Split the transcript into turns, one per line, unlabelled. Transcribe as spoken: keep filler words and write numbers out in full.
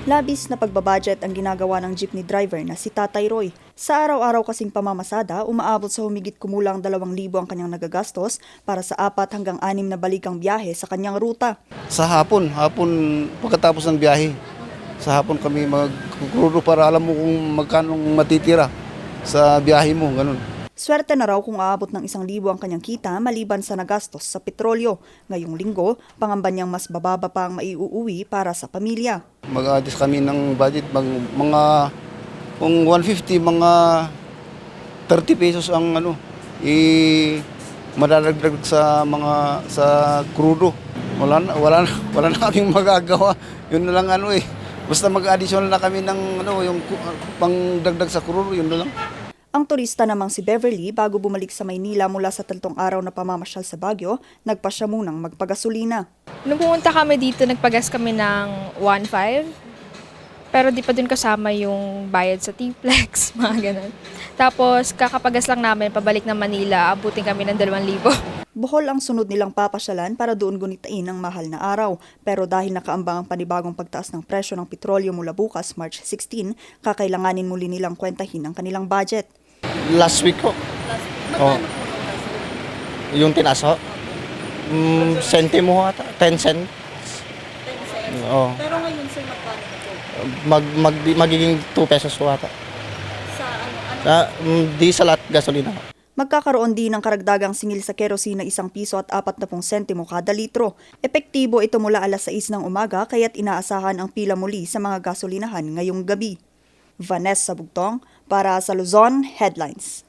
Labis na pagbabudget ang ginagawa ng jeepney driver na si Tatay Roy. Sa araw-araw kasing pamamasada, umaabot sa humigit kumulang dalawang libo ang kanyang nagagastos para sa apat hanggang anim na balikang biyahe sa kanyang ruta.
Sa hapon, hapon pagkatapos ng biyahe, sa hapon kami magkukrudo para alam mo kung magkano matitira sa biyahe mo, ganun.
Swerte na raw kung aabot ng isang libo ang kanyang kita maliban sa nagastos sa petrolyo. Ngayong linggo, pangamba niyang mas bababa pa ang maiuuwi para sa pamilya.
Mag-adjust kami ng budget, mag, mga kung one fifty, mga thirty pesos ang ano, i madadagdag sa mga sa krudo. Wala na, wala na, wala na kaming magagawa. Yun na lang ano eh. Basta mag-additional na kami ng ano, yung pangdagdag sa krudo, yun na lang.
Ang turista namang si Beverly, bago bumalik sa Maynila mula sa tatlong araw na pamamasyal sa Baguio, nagpa siya munang magpagasolina.
Nung pumunta kami dito, nagpagas kami ng one five. Pero di pa dun kasama yung bayad sa T-Flex, mga ganun. Tapos kakapagas lang namin, pabalik ng Manila, abutin kami ng dalawang libo.
Bohol ang sunod nilang papasyalan para doon gunitain ang mahal na araw. Pero dahil nakaambang ang panibagong pagtaas ng presyo ng petrolyo mula bukas, March sixteen, kakailanganin muli nilang kwentahin ang kanilang budget.
Last week ko. Oh. Yung tinaso. Mm, sentimo ata, ten cents. Oh.
Pero ngayon, sir, magkano na po?
Mag, mag, magiging two pesos po ata.
Sa ano? ano?
Ah, mm, di sa lahat gasolina.
Magkakaroon din ng karagdagang singil sa kerosene na isang piso at apat na pung sentimo kada litro. Epektibo ito mula alas sais ng umaga kaya't inaasahan ang pila muli sa mga gasolinahan ngayong gabi. Vanessa Bugtong para sa Luzon Headlines.